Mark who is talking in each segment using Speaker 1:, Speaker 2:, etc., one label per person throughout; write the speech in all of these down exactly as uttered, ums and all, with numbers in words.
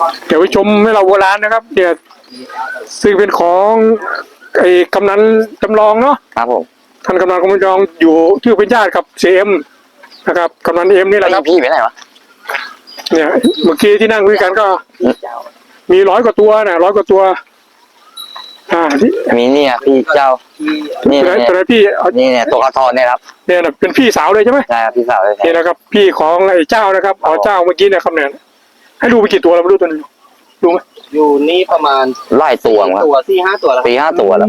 Speaker 1: เดี๋ยวไปชมให้เราโบราณนะครับเนี่ยซึ่งเป็นของไอ้กำนันจำลองเนาะ
Speaker 2: ครับผม
Speaker 1: ท่านกำนันกำนันจำลองอยู่ที่เป็นญาติกับเซเอ็มนะครับกำนันเอ็มนี่แหละครับ
Speaker 2: พี่ไปไหนวะ
Speaker 1: เนี่ยเมื่อกี้ที่นั่งคุยกันก็มีร้อยกว่าตัวนะร้อยกว่าตัวอ่าที่
Speaker 2: มีเนี่ยพี่เจ้านี่เนี่ย
Speaker 1: ตัวไหนพี่
Speaker 2: นี่เนี่ยตัวกระทอนเนี่ยครับ
Speaker 1: เนี่ยเป็นพี่สาวเลยใช่ไหม
Speaker 2: ใช่ครับพี่สาวเลย
Speaker 1: นี่นะครับพี่ของไอ้เจ้านะครับอ๋อเจ้าเมื่อกี้เนี่ยครับเนี่ยให้ดูไปกี่ตัวเราไม่รู้ตัวนึงดูไหม
Speaker 3: อยู่นี่ประมาณ
Speaker 2: ไล่ตัวครับ
Speaker 3: ตัวสี่ห้าตัวแล้ว
Speaker 2: สี่ห้าตัวแล้ว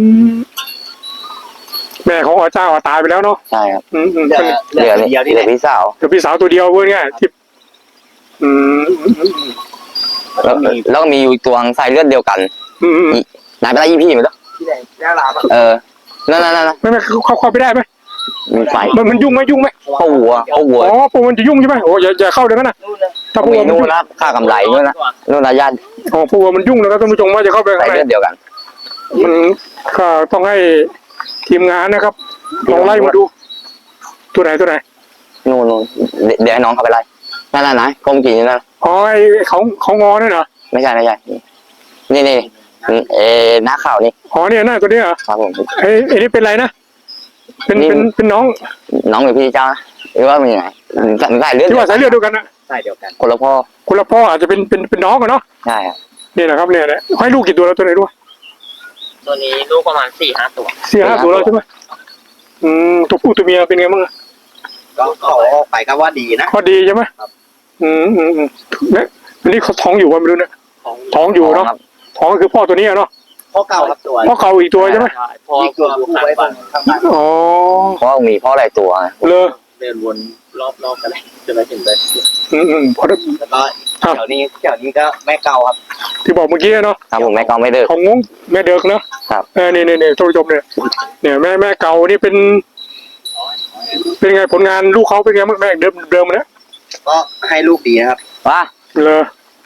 Speaker 1: แม่ของอ๋อเจ้าตายไปแล้วเนาะ
Speaker 2: ใช่ครับ
Speaker 1: อืม
Speaker 2: เหลือเดียวนี่พี่สาว
Speaker 1: เดี๋ยวพี่สาวตัวเดียวเว้ยเนี่ยที่อืม
Speaker 2: แล้วแล้วก็มีอยู่ตัวสายเลือดเดียวกัน
Speaker 1: อืม
Speaker 2: นายไปไล่ยี่พี่ไหมล่ะ
Speaker 3: ที่ไหนย่าลาบ
Speaker 2: เออนั่นนั่นนั่น
Speaker 1: ไม่ไม่เขาเข้าไปได้ไหม
Speaker 2: มีไฟ
Speaker 1: มันมันยุ่งไหมยุ่งไหม
Speaker 2: เข้าหัวเข้าหัว
Speaker 1: อ๋อพวกมันจะยุ่งใช่ไหมโอ้อย่าอย่าเข้าเดี๋ยวนั้นนะ
Speaker 2: ถ้าพวกมันนู่นนะค่ากำไรนู่นนะนู่นนะญาติ
Speaker 1: อ๋อพวกมันยุ่งนะครับท่านผู้ชมว่าจะเข้าไปข้างใน
Speaker 2: เดียวกัน
Speaker 1: มันก็ต้องให้ทีมงานนะครับลองไล่มาดูตัวไหนตัวไหน
Speaker 2: นู่นนู่นเดี๋ยวให้น้องเขาไปไล่นั่นนั่นไหนกลมกี่นั่น
Speaker 1: อ๋อไอเขาเขางอเนี่ยเหรอ
Speaker 2: ไม่ใช่ไม่ใช่นี่นี่เอ๋หน้าข่าวนี่
Speaker 1: อ๋อเนี่ยหน้าตัวนี้เหรอ
Speaker 2: ครับผม
Speaker 1: ไอ้ไอ้นี่เป็นไรนะเป็นเป็นเป็นน้อง
Speaker 2: น้องหรือพี่เจ้าหรือว่าเป็นยังไงสายเลือด
Speaker 1: ที่ว่าสายเลือดเดียวกันนะ
Speaker 3: สายเดียวกัน
Speaker 2: คนละพ่อ
Speaker 1: คนละพ่ออาจจะเป็นเป็นเป็นน้องกันเนาะ
Speaker 2: ใช่ครับ
Speaker 1: นี่นะครับเนี่ยให้ลูกกี่ตัวแล้วตัวไหนด้วย
Speaker 3: ตัวนี้ลูกประมาณสี่ห้าตัว
Speaker 1: สี่ห้าตัวแล้วใช่ไหมอืมตัวผู้ตัวเมียเป็นไงบ้าง
Speaker 3: ก็เขาออกไปก็ว่าดีนะ
Speaker 1: ก็ดีใช่ไหมอืมอืมอืมเนี่ยอันนี้เขาท้องอยู่ว่าไม่รู้เนี่ยท้องอยู่เนาะท้องคือพ่อตัวนี้เนาะ
Speaker 3: พ่อเก่าครับตัว
Speaker 1: พ่อเก่าอีกตัวใช่ไหม
Speaker 3: อีกตัวผูกไว้ตรงข้างหลัง
Speaker 1: อ๋อ
Speaker 2: พ่อมีพ่อหลายตัว
Speaker 1: เลย
Speaker 3: เดินวนรอบๆกันเลยจนไปถึงเลย
Speaker 1: อืมอืมพอแล้ว
Speaker 3: ก็แถวนี้แถวนี้ก็แม่เก่าครับ
Speaker 1: ที่บอกเมื่อกี้เนาะ
Speaker 2: ครับผมแม่เก่าไม่เดิก
Speaker 1: ของงงแม่เดิกเนาะ
Speaker 2: ครับ
Speaker 1: เออเนี่ยเนี่ยท่านผู้ชมเนี่ยเนี่ยแม่แม่เก่านี่เป็นเป็นไงผลงานลูกเขาเป็นไงบ้างแม่เดิมเดิมนะ
Speaker 3: ก็ให้ลูกดีนะครับ
Speaker 2: ว่า
Speaker 1: เลย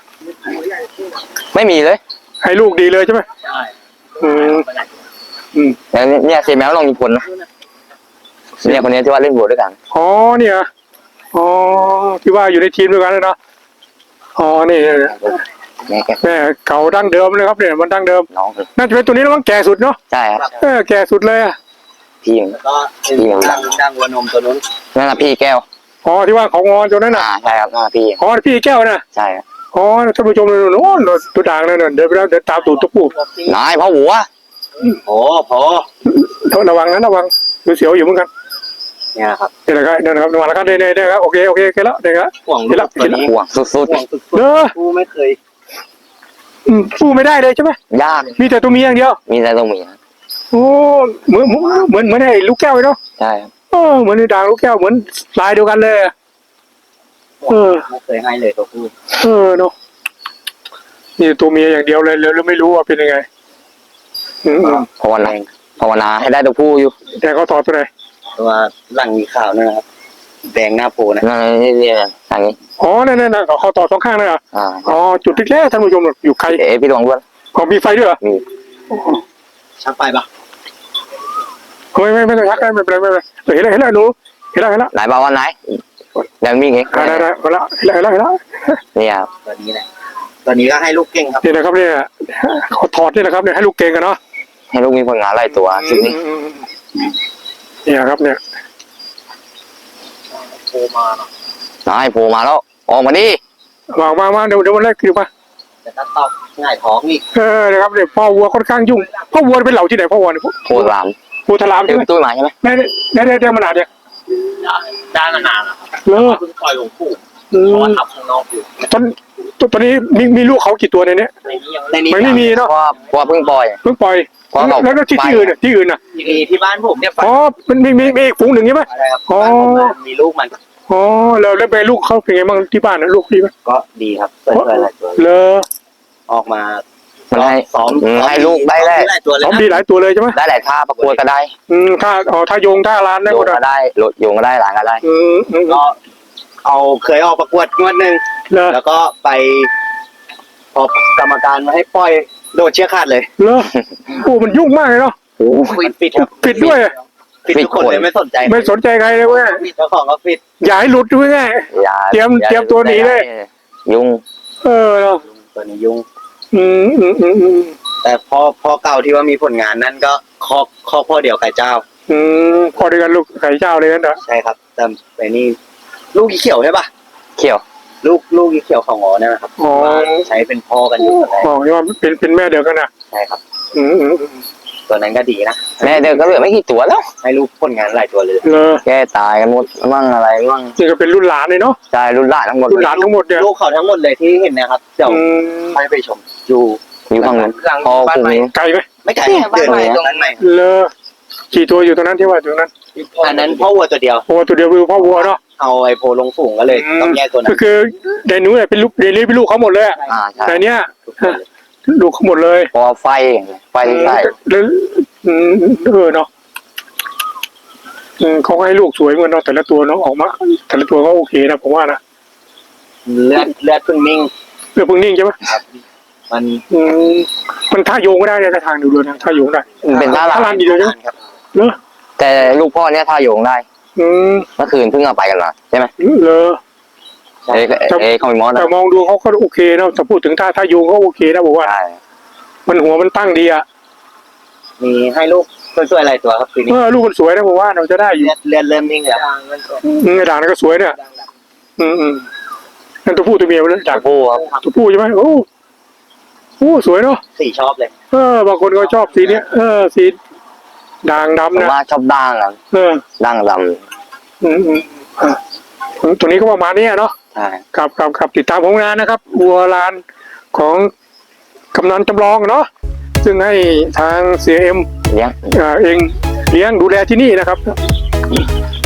Speaker 2: ไม่มีเลย
Speaker 1: ให้ลูกดีเลยใช่ไหม
Speaker 3: ใช่
Speaker 1: อืมอืม
Speaker 2: เนี่ยเซแมวลองมีผลนะเนี่ยคนนี้ที่ว่าเล่นบวด้วยกัน
Speaker 1: อ๋อเนี่ยอ๋อที่ว่าอยู่ในทีมด้วยกันเลยเนาะอ๋อนี่แม่เก่าดั้งเดิมเลยครับเนี่ยมันดั้งเดิม
Speaker 2: น้อง
Speaker 1: น่าจะเป็นตัวนี้แล้วมั้งแก่สุดเนาะ
Speaker 2: ใช่ครับ
Speaker 1: เออแก่สุดเลยอ่ะ
Speaker 2: พี่
Speaker 3: แล้วก็พี่ดังดังวัวนมตัวนู้น
Speaker 2: นั่นแหละพี่แก้ว
Speaker 1: อ๋อที่ว่าเขางอนตัวนั้นน่ะ
Speaker 2: ใช่ครับนั่นพี่
Speaker 1: อ๋อพี่แก้วนะ
Speaker 2: ใช่
Speaker 1: อ๋อท่านผู้ชมเลยโอ้ตัวด่างเลยเนี่ยเดินไปแล้วเดินตามตูดตัวผู้
Speaker 2: นายพ่อหัว
Speaker 3: โอ้พอ
Speaker 1: ระวังนะระวังเสียวอยู่เหมือนกัน
Speaker 3: เนี่ยครับ
Speaker 1: นี่แหละครับนี่นะครับระวังแล้วครับเนี่ยเนี่ยครับโอเคโอเคโอเคแล้วเนี่ยครับ
Speaker 3: ห่วงลูกตัวนี้
Speaker 2: ห่วงสุด
Speaker 1: ๆเนอะ
Speaker 3: ผู้ไม่เคย
Speaker 1: อืมสู้ไม่ได้เลยใช่ไหม
Speaker 2: ยาก
Speaker 1: มีแต่ตัวเมียอย่างเดียว
Speaker 2: มีแต่ตัวเมีย
Speaker 1: โอ้เหมือนเหมือนเหมือนไอ้ลูกแก้วเลยเนาะ
Speaker 2: ใช่
Speaker 1: เออเหมือนในด่างลูกแก้วเหมือนลายเดียวกันเลยเออ
Speaker 3: ไม่เคยให้เลยตัวผู้
Speaker 1: เออเนาะนี่ตัวเมียอย่างเดียวเลยแล้วไม่รู้ว่าเป็นยังไง
Speaker 2: ภาวนาภาวนาให้ได้ตัวผู้อยู่
Speaker 1: แต่เขาถอดตัวไหน
Speaker 3: ตัวหลังมีขาวนะครับแดงหน้าโพนะ
Speaker 2: นั่นนี่นี่อย่างนี้
Speaker 1: อ๋อนั่นนั่นเขาต่อสองข้างเลยอ่ะอ๋อจุดที่แรกท่านผู้ชมอยู่ใคร
Speaker 2: เอ๋พี่ดวงด้วย
Speaker 1: อ๋อมีไฟด้วยเหรอ
Speaker 2: มี
Speaker 3: ชักไปปะ
Speaker 1: ไม่ไม่ไม่ต้องชักได้ไม่เป็นไรไม่เป็นไรเห็นแล้วเห็นแล้วรู้เห็นแล้วเห็นแล้ว
Speaker 2: ไหนบอกว่าไหนยังมีไง
Speaker 1: ได้ได้เห็นแล้วเห็นแล้วเห็นแล้ว
Speaker 2: นี่ครับ
Speaker 3: ตัวนี้แหละตัวนี้ก็ให้ลูกเก่งครับ
Speaker 1: นี่นะครับเนี่ยเขาถอดนี่นะครับเนี่ยให้ลูกเก่งกันเนาะ
Speaker 2: ให้ลูกมีผลงานหลายตัวชุดนี้
Speaker 1: เนี่ยครับเนี่ย
Speaker 3: โผล่มาเนาะ
Speaker 2: นายโผล่มาแล้วออกมาดิ
Speaker 1: มามามาเดี๋ยวเดี๋ยววันแรกคือมา
Speaker 3: จะตัดต่อง่ายท้องอีก
Speaker 1: เออนะครับเนี่ยพ่อวัวค่อนข้างยุ่งพ่อวัวเป็นเหล่าที่ไหนพ่อวัวเนี่ย
Speaker 2: โพธาราม
Speaker 1: โพธารามใช่ไหม
Speaker 2: ตู้มาใช่ไหม
Speaker 1: ได้ได้ได้ได้มานานเนี่ย
Speaker 3: ได้มานานแล้วครับ
Speaker 1: เลิก
Speaker 3: เพิ่งปล่อยหลวงปู่เพราะว่าทับข้างนอกอยู่
Speaker 1: ตอนตอนนี้มีมีลูกเขากี่ตัวในนี้
Speaker 3: ไม่
Speaker 1: ไม่มีเนาะ
Speaker 2: เพราะเพราะเพิ่งปล่อย
Speaker 1: เพิ่งปล่อยแล้วที่ที่อื่นเนี่ยที่อื่นน่ะ
Speaker 3: มีที่บ้านผมเนี่ย
Speaker 1: อ๋อมันมีมีมีอีกฝูงหนึ่งใช่ไหม
Speaker 3: อ๋อมีลูกมัน
Speaker 1: อ๋อแล้วแล้วแม่ลูกเขาเป็นไงบ้างที่บ้านนะลูกดีไหม
Speaker 3: ก็ดีครับเปิดเผยหลายตัว
Speaker 1: เลย
Speaker 3: ออกมา
Speaker 2: มันให้
Speaker 3: ซ้อม
Speaker 2: ให้ลูกได้แหละ
Speaker 1: ซ้อมดีหลายตัวเลยใช่ไหม
Speaker 2: ได้หลายท่าประกวดก็ได้
Speaker 1: อืมท่าอ๋อท่าโยงท่าลานได้
Speaker 2: ก็ได้หลดโยงก็ได้หลานก็ได้
Speaker 1: อืม
Speaker 3: ก็เอาเคยออกประกวดงวดหนึ่งแล้วก็ไปพอกรรมการมาให้ปล่อยโดดเชือกขาดเลย
Speaker 1: เหรอโอ้มันยุ่งมากเลยเนาะ
Speaker 2: โอ้
Speaker 3: ปิดปิดครับ
Speaker 1: ปิดด้วย
Speaker 3: ปิดทุกคนเลยไม่สนใจ
Speaker 1: ไม่สนใจใครเลยเว้ย
Speaker 3: เจ้าของก็ปิด
Speaker 1: อย่าให้หลุดด้วยไงเตรียมเตรียมตัวหนีเลย
Speaker 2: ยุ่ง
Speaker 1: เออเนาะ
Speaker 3: ตตัวนี้ยุ่ง
Speaker 1: อืมอืมอืมอืม
Speaker 3: แต่พ่อพ่อเก่าที่ว่ามีผลงานนั่นก็คอกคอกพ่อเดียวไก่เจ้า
Speaker 1: อืมพอด้วยกันลูกไก่เจ้าเลยกันเหรอ
Speaker 3: ใช่ครับ แต่ไอ้นี่ลูกอีเขียวใช่ปะ
Speaker 2: เขียว
Speaker 3: ลูกลูกอีเขียวของงอเนี่ยนะครับ
Speaker 1: อ๋อ
Speaker 3: ว่าใช้เป็นพ่อกันอยู่ตอนแรก
Speaker 1: อ๋อที่ว่าเป็นเป็นแม่เดียวกันนะ
Speaker 3: ใช่ครับ
Speaker 1: อืมอืมอืม
Speaker 3: ตัวนั้นก็ดีนะ
Speaker 2: แม่เด็กก็เหลือไม่กี่ตัวแล้ว
Speaker 3: ให้ลูกผลงานหลายตัวเลย
Speaker 1: เลอ
Speaker 2: แกตายกันหมดมั่งอะไรมั่ง
Speaker 1: นี่ก็เป็นรุ่นหลานเลยเนาะ
Speaker 2: ใช่รุ่นหลานทั้งหมด
Speaker 1: รุ่นหลานทั้งหมดเนี่ย
Speaker 3: ลูกเขาทั้งหมดเลยที่เห็นนะครับเดี๋ยว
Speaker 1: อืม
Speaker 3: ไปไปชมอยู่
Speaker 2: อยู่ข้างนั้นพอคุม
Speaker 1: ไกลไหม
Speaker 3: ไม่ไกลเดินไปตรงนั้นไหม
Speaker 1: เลอกี่ตัวอยู่ตรงนั้นที่ว่าอยู่ตรงนั้น
Speaker 3: อันนั้นพ่อวัวตัวเดียว
Speaker 1: โอ้ตัวเดียวคือพ่อวัวเนาะ
Speaker 3: เอาไอ้โพลงฝูงก็เลยต้องแยกตัวนั้
Speaker 1: ก็
Speaker 3: น
Speaker 1: คือเดนูเนี่ยเป็นลูกเดนี่เป็นลูกเขาหมดเลยอะ
Speaker 2: อ่าใช่
Speaker 1: แต่เนี้ยลูกเขาหมดเลย
Speaker 2: พอไฟไฟที่ใส่
Speaker 1: แล้วอืมเออเนาะอืมเขาก็ให้ลูกสวยเหมือนเนาะแต่ละตัวเนาะออกมาแต่ละตัวก็โอเคนะผมว่านะ
Speaker 3: เลือดเลือดเพิ่งนิ่ง
Speaker 1: เรื่องพึ่งนิ่งใช่ไหม
Speaker 3: มัน
Speaker 1: อืมมันท่าโยงก็ได้เนี่ยทางดูเลยนะท่าโยงได้
Speaker 2: เป็นท่า
Speaker 1: ท่า
Speaker 2: ลา
Speaker 1: ลาน นดีเลยนะครับ เลอ
Speaker 2: แต่ลูกพ่อเนี่ยท่าโยงได้
Speaker 1: อืม
Speaker 2: เมื่อคืนเพิ่งเอาไปกันมาใช่ไหม
Speaker 1: เลอ
Speaker 2: เอ้เอ้เขามีมอส
Speaker 1: แต่
Speaker 2: นะ
Speaker 1: มองดูเขาก็โอเคนะแต่พูดถึงท่าท่าโยงเขาโอเคนะบอกว่า
Speaker 2: ใช่
Speaker 1: มันหัวมันตั้งดีอ่ะ
Speaker 3: มีให้ลูกช่วยๆอะไรตัวครับทีนี้
Speaker 1: เออลูกมันสวยนะผมว่าเราจะได้อยู่
Speaker 3: เลือดเลือดเริ่มนิ่งแล้ว
Speaker 1: อืมไอ้ด่างนั่นก็สวยเนี่ยอืมอืมนั่นตัวผู้ตัวเมียมันเลยด่าง
Speaker 2: ผู้ครับ
Speaker 1: ตัวผู้ใช่ไหมโอ้โอ้สวยเนาะ
Speaker 3: สีชอบเลย
Speaker 1: เออบางคนก็ชอบสีเนี้ยเออสีด่าง
Speaker 2: ผม
Speaker 1: ดำนะ
Speaker 2: ว่าชอบด่างอ่ะ
Speaker 1: เออ
Speaker 2: ด่างด
Speaker 1: อืมอืมอ่ะตัวนี้ก็ประมาณเนี้ยเนาะ
Speaker 2: ำใช่
Speaker 1: ครับครับครับติดตามผลงานนะครับวัวลานของกำนันจำลองเนาะซึ่งให้ทางเสียเอ็ม
Speaker 2: เลี้ยง
Speaker 1: เอ่อเองเลี้ยงดูแลที่นี่นะครับ